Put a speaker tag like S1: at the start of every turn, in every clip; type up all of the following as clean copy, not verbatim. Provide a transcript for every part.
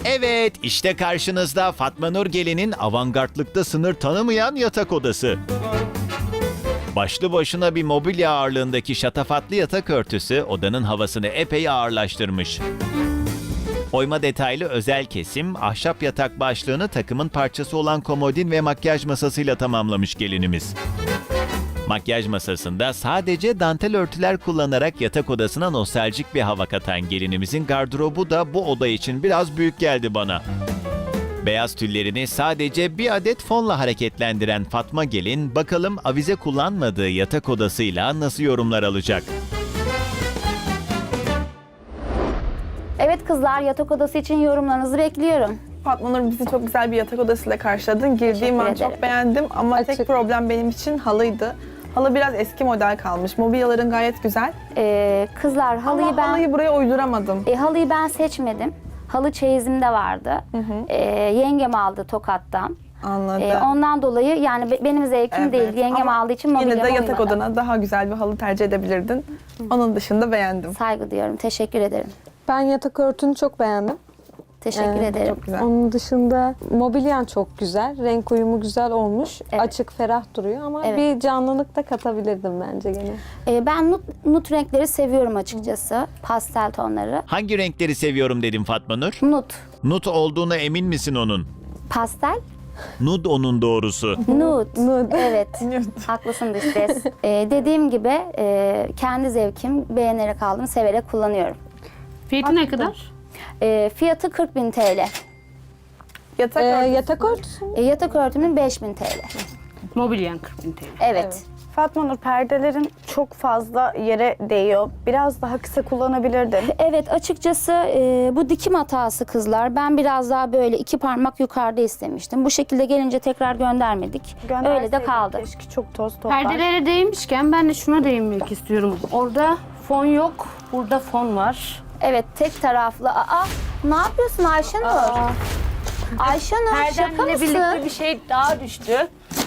S1: Evet, işte karşınızda Fatma Nur Gelin'in avantgardlıkta sınır tanımayan yatak odası. Başlı başına bir mobilya ağırlığındaki şatafatlı yatak örtüsü odanın havasını epey ağırlaştırmış. Oyma detaylı özel kesim, ahşap yatak başlığını takımın parçası olan komodin ve makyaj masasıyla tamamlamış gelinimiz. Makyaj masasında sadece dantel örtüler kullanarak yatak odasına nostaljik bir hava katan gelinimizin gardırobu da bu oda için biraz büyük geldi bana. Beyaz tüllerini sadece bir adet fonla hareketlendiren Fatma Gelin, bakalım avize kullanmadığı yatak odasıyla nasıl yorumlar alacak?
S2: Evet kızlar, yatak odası için yorumlarınızı bekliyorum.
S3: Fatma Nur, bizi çok güzel bir yatak odasıyla karşıladın. Girdiğim an
S2: ederim.
S3: çok beğendim ama
S4: Açık.
S3: tek problem benim için halıydı. Halı biraz eski model kalmış. Mobilyaların gayet güzel.
S2: Kızlar halıyı
S3: Ama
S2: ben
S3: halıyı buraya uyduramadım.
S2: halıyı ben seçmedim. Halı çeyizimde vardı. Yengem aldı Tokat'tan.
S3: Anladım.
S2: Ondan dolayı yani benim zevkim
S3: Evet.
S2: değil. Yengem
S3: Ama
S2: aldığı için
S3: yine
S2: mobilyama
S3: de yatak
S2: uymadı.
S3: odana daha güzel bir halı tercih edebilirdin. Onun dışında beğendim.
S2: Saygı duyuyorum. Teşekkür ederim.
S4: Ben yatak örtünü çok beğendim.
S2: Teşekkür ederim.
S3: Çok güzel.
S4: Onun dışında mobilyan çok güzel. Renk uyumu güzel olmuş.
S2: Evet.
S4: Açık, ferah duruyor ama
S2: Evet.
S4: bir canlılık da katabilirdim bence gene.
S2: Ben nut renkleri seviyorum açıkçası. Pastel tonları.
S1: Hangi renkleri seviyorum dedim Fatma Nur?
S2: Nut.
S1: Nude olduğuna emin misin onun?
S2: Pastel.
S1: Nude onun doğrusu.
S2: Nude.
S4: Nude.
S2: Evet. Haklısın dış ses. Dediğim gibi kendi zevkim, beğenerek aldım, severek kullanıyorum.
S5: Fiyatı ne kadar?
S2: Fiyatı 40.000 TL.
S3: Yatak örtüsü.
S4: Yatak örtüsü mü?
S2: Yatak örtümün 5.000 TL.
S5: Mobilyen 40.000 TL.
S2: Evet.
S6: Fatma Nur, perdelerin çok fazla yere değiyor. Biraz daha kısa kullanabilirdin.
S2: Evet, açıkçası bu dikim hatası kızlar. Ben biraz daha böyle 2 parmak yukarıda istemiştim. Bu şekilde gelince tekrar göndermedik. Öyle de
S6: Gönderseydin
S2: kaldı.
S6: Keşke, çok toz toplar.
S5: Perdelere değinmişken ben de şuna değinmek istiyorum. Orada fon yok, burada fon var.
S2: Evet, tek taraflı. Ne yapıyorsun Ayşenur? Ayşenur, şaka
S5: Perdenle
S2: mısın?
S5: birlikte bir şey daha düştü.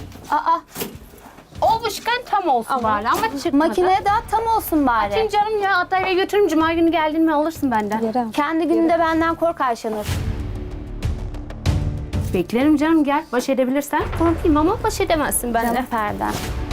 S5: Olmuşken tam olsun bari ama çıkmadı.
S2: Makineye daha tam olsun bari.
S5: Atayım canım ya, hatta eve götürürüm. Cuma günü geldin mi alırsın benden.
S4: Yere al.
S2: Kendi gününde benden kork Ayşenur.
S5: Beklerim canım, gel. Baş edebilirsen korkayım ama baş edemezsin benden.
S2: Canım perdem.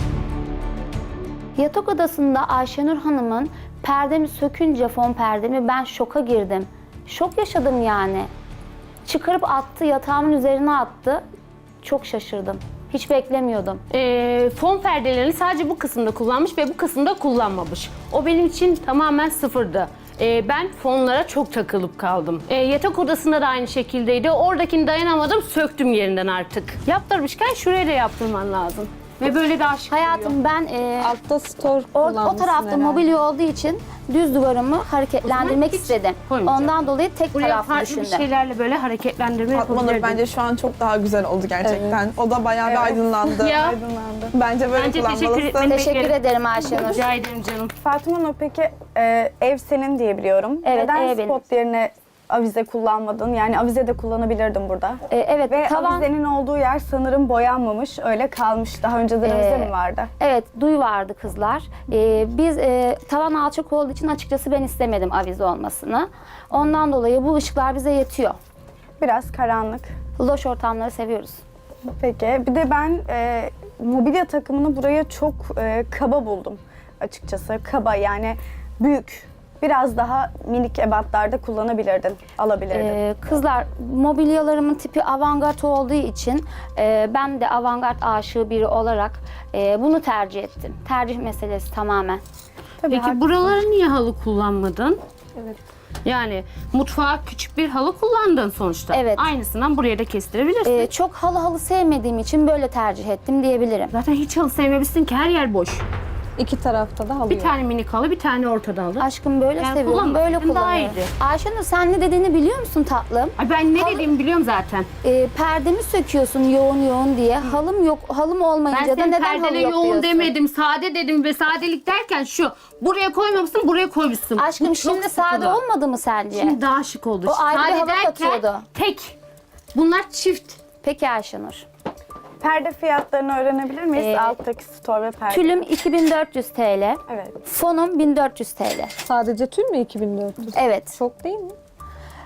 S2: Yatak odasında Ayşenur Hanım'ın perdemi sökünce fon perdemi ben şoka girdim. Şok yaşadım yani. Çıkarıp attı, yatağımın üzerine attı. Çok şaşırdım. Hiç beklemiyordum.
S5: Fon perdelerini sadece bu kısımda kullanmış ve bu kısımda kullanmamış. O benim için tamamen sıfırdı. Ben fonlara çok takılıp kaldım. Yatak odasında da aynı şekildeydi. Oradakini dayanamadım, söktüm yerinden artık. Yaptırmışken şuraya da yaptırman lazım. Ve böyle daha şık oluyor.
S2: Hayatım ben
S4: Altta store
S2: o
S4: kullanmışsın
S2: tarafta
S4: herhalde.
S2: mobilya olduğu için düz duvarımı
S5: O
S2: hareketlendirmek
S5: zaman hiç
S2: istedim.
S5: koymayacağım.
S2: Ondan dolayı tek
S5: Buraya
S2: taraflı
S5: farklı bir
S2: düşündüm.
S5: şeylerle böyle hareketlendirme
S3: Fatma Nur,
S5: yapabilirdin.
S3: bence şu an çok daha güzel oldu gerçekten. O da bayağı bir aydınlandı.
S5: Ya.
S3: Bence böyle
S5: Bence teşekkür
S3: kullanmalısın.
S5: etmeni
S2: Teşekkür
S5: beklerim.
S2: ederim Ayşenur.
S5: Rica ederim canım.
S6: Fatma Nur, peki ev senin diye biliyorum.
S2: Evet,
S6: Neden
S2: ev benim.
S6: spot yerine avize kullanmadın? Yani avize de kullanabilirdin burada.
S2: Evet,
S6: Ve
S2: tavan.
S6: avizenin olduğu yer sanırım boyanmamış, öyle kalmış. Daha önceden avize mi vardı?
S2: Evet, duy vardı kızlar. Biz tavan alçak olduğu için açıkçası ben istemedim avize olmasını. Ondan dolayı bu ışıklar bize yetiyor.
S6: Biraz karanlık.
S2: Loş ortamları seviyoruz.
S6: Peki, bir de ben mobilya takımını buraya çok kaba buldum açıkçası. Kaba, yani büyük. Biraz daha minik ebatlarda kullanabilirdin, alabilirdin.
S2: Kızlar, mobilyalarımın tipi avantgard olduğu için ben de avantgard aşığı biri olarak bunu tercih ettim. Tercih meselesi tamamen.
S6: Tabii,
S5: Peki buraları niye halı kullanmadın?
S4: Evet.
S5: Yani mutfağa küçük bir halı kullandın sonuçta.
S2: Evet.
S5: Aynısından buraya da kestirebilirsin.
S2: Çok halı sevmediğim için böyle tercih ettim diyebilirim.
S5: Zaten hiç halı sevmemişsin ki, her yer boş.
S4: İki tarafta da halı
S5: Bir
S4: yok.
S5: tane minik halı, bir tane ortada halı.
S2: Aşkım böyle
S5: Yani
S2: seviyorum, böyle
S5: kullanmasaydın daha
S2: kullanıyorum.
S5: iyiydi.
S2: Ayşenur, sen ne dediğini biliyor musun tatlım?
S5: Ay ben ne
S2: Halı-
S5: dediğimi biliyorum zaten.
S2: Perdemi söküyorsun yoğun yoğun diye. Halım yok, halım
S5: Ben
S2: olmayınca da
S5: senin
S2: neden halı
S5: perdene
S2: yok
S5: yoğun
S2: diyorsun?
S5: demedim, sade dedim ve sadelik derken şu. Buraya koymamışsın, buraya koymuşsun.
S2: Aşkım
S5: Bu çok
S2: şimdi sade
S5: sıkılı.
S2: olmadı mı sence?
S5: Şimdi daha şık oldu.
S2: O ayrı bir
S5: Sade
S2: hava
S5: derken
S2: katıyordu.
S5: tek. Bunlar çift.
S2: Peki Ayşenur.
S6: Perde fiyatlarını öğrenebilir miyiz?
S2: Ee,
S6: Alttaki store ve perde.
S2: Tülüm 2400 TL.
S6: Evet.
S2: Fonum 1400 TL.
S4: Sadece tül mü 2400?
S2: Evet.
S4: Çok değil mi?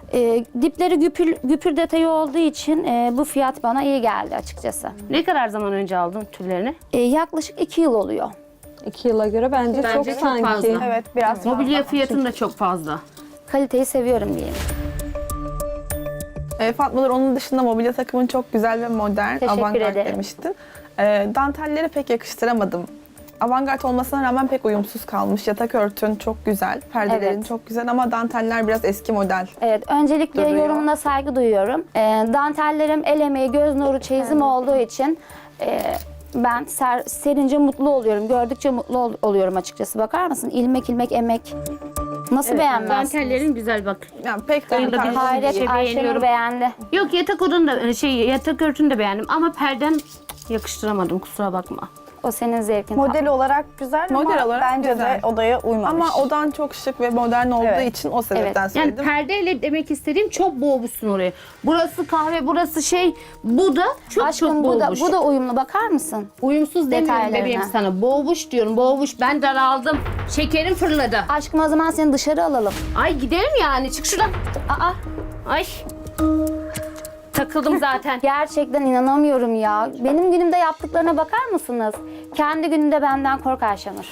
S2: Dipleri güpür detayı olduğu için bu fiyat bana iyi geldi açıkçası.
S5: Ne kadar zaman önce aldın tüllerini?
S2: Yaklaşık 2 yıl oluyor.
S4: 2 yıla göre bence,
S5: Bence
S4: çok
S5: çok
S4: sanki.
S5: fazla.
S3: Evet, biraz fazla.
S5: Mobilya fiyatın da çok fazla.
S2: Kaliteyi seviyorum diyeyim.
S3: Fatma Nur, onun dışında mobilya takımın çok güzel ve modern,
S2: Teşekkür
S3: avantgard
S2: ederim.
S3: demiştin. Dantelleri pek yakıştıramadım. Avantgard olmasına rağmen pek uyumsuz kalmış. Yatak örtün çok güzel, perdelerin
S2: Evet.
S3: çok güzel ama danteller biraz eski model.
S2: Evet, öncelikle
S3: Duruyor.
S2: yorumuna saygı duyuyorum. Dantellerim el emeği, göz nuru çeyizim olduğu için ben serince mutlu oluyorum. Gördükçe mutlu oluyorum açıkçası. Bakar mısın? İlmek ilmek emek. Nasıl beğenmezsiniz?
S5: Dantellerin güzel bak.
S3: Yani pek
S5: Benim de
S3: dantel
S5: bir-
S2: Hayret,
S5: şey
S2: Ayşenur
S5: beğeniyorum.
S2: beğendi.
S5: Yok yatak odanı da yatak örtünü de beğendim ama perden yakıştıramadım, kusura bakma.
S2: O senin zevkin.
S6: Model olarak güzel
S3: Model
S6: ama
S3: olarak
S6: bence
S3: güzel.
S6: de odaya uymamış.
S3: ama odan çok şık ve modern olduğu
S6: Evet.
S3: için o sebepten
S2: Evet.
S5: Yani
S3: söyledim.
S5: perdeyle demek istediğim çok boğmuşsun orayı. Burası kahve, burası bu da çok
S2: Aşkım
S5: boğmuş.
S2: bu da uyumlu, bakar mısın?
S5: Uyumsuz demiyorum
S2: detaylarına.
S5: bebeğim sana. Boğmuş diyorum, boğmuş. Ben daraldım. Şekerim fırladı.
S2: Aşkım o zaman seni dışarı alalım.
S5: Ay gidelim yani, çık şuradan.
S2: Aa,
S5: Ay. Takıldım zaten.
S2: gerçekten inanamıyorum ya. Benim günümde yaptıklarına bakar mısınız? Kendi gününde benden kork Ayşenur.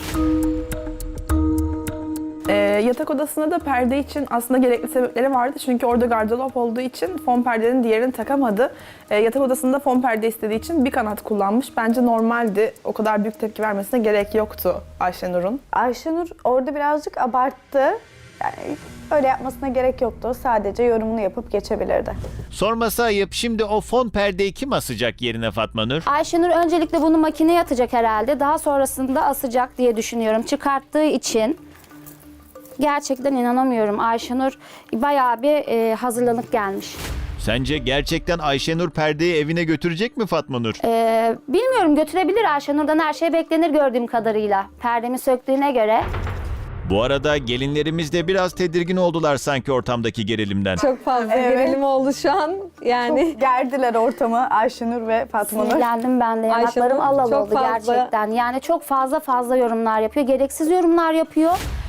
S3: Yatak odasında da perde için aslında gerekli sebepleri vardı. Çünkü orada gardırop olduğu için fon perdenin diğerini takamadı. Yatak odasında fon perde istediği için bir kanat kullanmış. Bence normaldi. O kadar büyük tepki vermesine gerek yoktu Ayşenur'un.
S6: Ayşenur orada birazcık abarttı. Yani öyle yapmasına gerek yoktu. Sadece yorumunu yapıp geçebilirdi.
S1: Sorması ayıp, şimdi o fon perdeyi kim asacak yerine Fatma Nur?
S2: Ayşenur öncelikle bunu makineye atacak herhalde. Daha sonrasında asacak diye düşünüyorum. Çıkarttığı için gerçekten inanamıyorum. Ayşenur bayağı bir hazırlanıp gelmiş.
S1: Sence gerçekten Ayşenur perdeyi evine götürecek mi Fatma Nur?
S2: Bilmiyorum, götürebilir. Ayşenur'dan her şey beklenir gördüğüm kadarıyla. Perdemi söktüğüne göre.
S1: Bu arada gelinlerimiz de biraz tedirgin oldular sanki ortamdaki gerilimden.
S4: Çok fazla
S6: Evet.
S4: gerilim oldu şu an. Yani
S6: Çok gerdiler ortamı Ayşenur ve Fatma Nur.
S2: Sinirlendim ben de. Yanaklarım
S4: Ayşenur
S2: al al
S4: çok
S2: oldu
S4: fazla-
S2: gerçekten. Yani çok fazla yorumlar yapıyor. Gereksiz yorumlar yapıyor.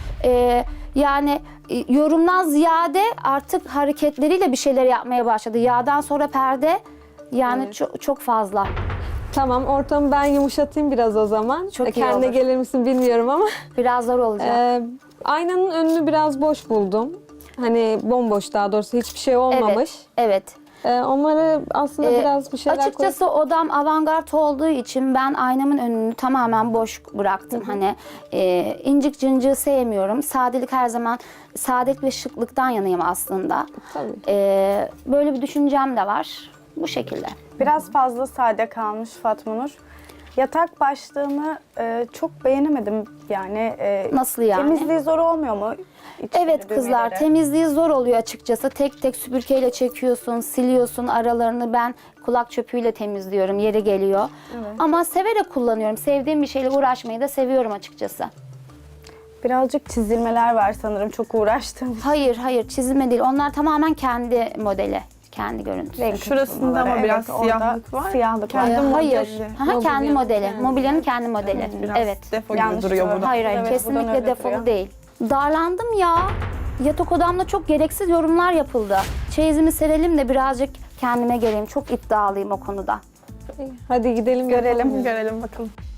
S2: Yani yorumdan ziyade artık hareketleriyle bir şeyler yapmaya başladı. Yağdan sonra perde yani çok fazla.
S4: tamam, ortamı ben yumuşatayım biraz o zaman.
S2: Çok iyi
S4: Kendine
S2: olur.
S4: gelir misin bilmiyorum ama.
S2: Biraz zor olacak.
S4: Aynanın önünü biraz boş buldum. Hani bomboş, daha doğrusu hiçbir şey olmamış.
S2: Evet.
S4: Onları aslında biraz bir şeyler
S2: Açıkçası odam avantgard olduğu için ben aynamın önünü tamamen boş bıraktım. Hani incik cıncığı sevmiyorum. Sadelik her zaman, sadelik ve şıklıktan yanayım aslında.
S4: Tabii.
S2: Böyle bir düşüncem de var. Bu şekilde.
S6: Biraz fazla sade kalmış Fatma Nur. Yatak başlığını çok beğenemedim yani.
S2: Nasıl yani?
S6: Temizliği zor olmuyor mu? İçleri,
S2: Evet kızlar,
S6: düğmeleri.
S2: temizliği zor oluyor açıkçası. Tek tek süpürgeyle çekiyorsun, siliyorsun aralarını. Ben kulak çöpüyle temizliyorum, yeri geliyor. Ama severek kullanıyorum. Sevdiğim bir şeyle uğraşmayı da seviyorum açıkçası.
S6: Birazcık çizilmeler var sanırım, çok uğraştım.
S2: Hayır çizilme değil. Onlar tamamen kendi modeli, kendi görüntüsü.
S6: Renk
S3: Şurasında ama
S6: tutmaları,
S3: biraz
S6: orada
S3: siyahlık var.
S6: Siyahlık var.
S3: Kendi
S2: Hayır.
S3: modeli.
S2: Aha, kendi modeli. Mobilyanın kendi modeli.
S3: Biraz
S2: Evet.
S3: defo gibi
S6: Yanlış
S3: duruyor
S6: gördüm.
S3: burada.
S2: Hayır,
S6: Evet, buradan
S2: kesinlikle
S6: öyle
S2: defolu
S6: duruyor.
S2: değil. Darlandım ya. Yatak odamda çok gereksiz yorumlar yapıldı. Çeyizimi serelim de birazcık kendime geleyim. Çok iddialıyım o konuda.
S4: Hadi gidelim
S6: Görelim.
S3: Görelim bakalım.